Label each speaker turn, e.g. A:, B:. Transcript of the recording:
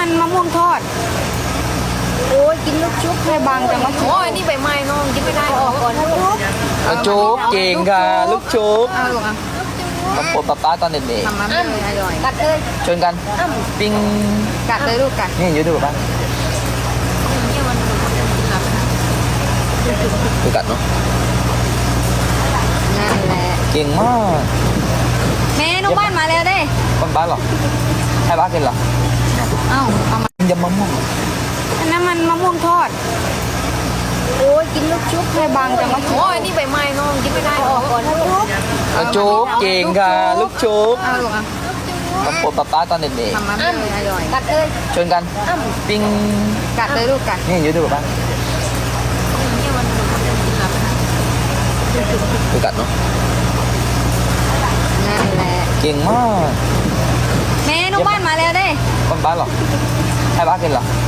A: มันมะม่วงทอดโอ้ยกินลูกชุบให้บางจังวะ
B: โอ้ยนี่ใบไม้น้องกินไม่ได้หรอกก่อน
C: ลูกชุบเก่งค่ะลูกชุบ
A: เอาลูกอ่ะ
C: มาปวดป๊าตอนเด็ก
A: ทำมาเลยอร่อย
B: กัดเลย
C: ๆชวนกันปิ้ง
A: กัดเลยลูกกัด
C: นี่อยู่ดูป๊าดูกัดเนาะ
A: นั่นแหละ
C: เก่งมาก
A: แม่น้องบ้านมาแล้วเด้
C: คนบ้านเหรอให้บ้านกินเหรอ
A: เอ้าเอามาย
C: ำมะม่วง
A: อันนั้นมันมะม่วงทอดโอ้ยกินลูกชุบให้บางจังวะ
B: โอ้ยนี่ใบไม้น้องกินไม่ได้หรอกก่อน
C: ลูกชุบเก่งค่ะลูกชุบ
A: เอาลูกอ่ะ
C: มาปวดป๊าตอนเด็ก
A: ทำมาเลยอร่อย
B: กัดเลย
C: ๆชวนกันปิ้ง
A: กัดเลยลูกกัด
C: นี่อยู่ดูป๊าดูกัดเนาะ
A: นั่นแหละ
C: เก่งมาก
A: แม่น้องบ้านมาแล้วเด้
C: คนบ้านเหรอให้บ้านกินเหรอ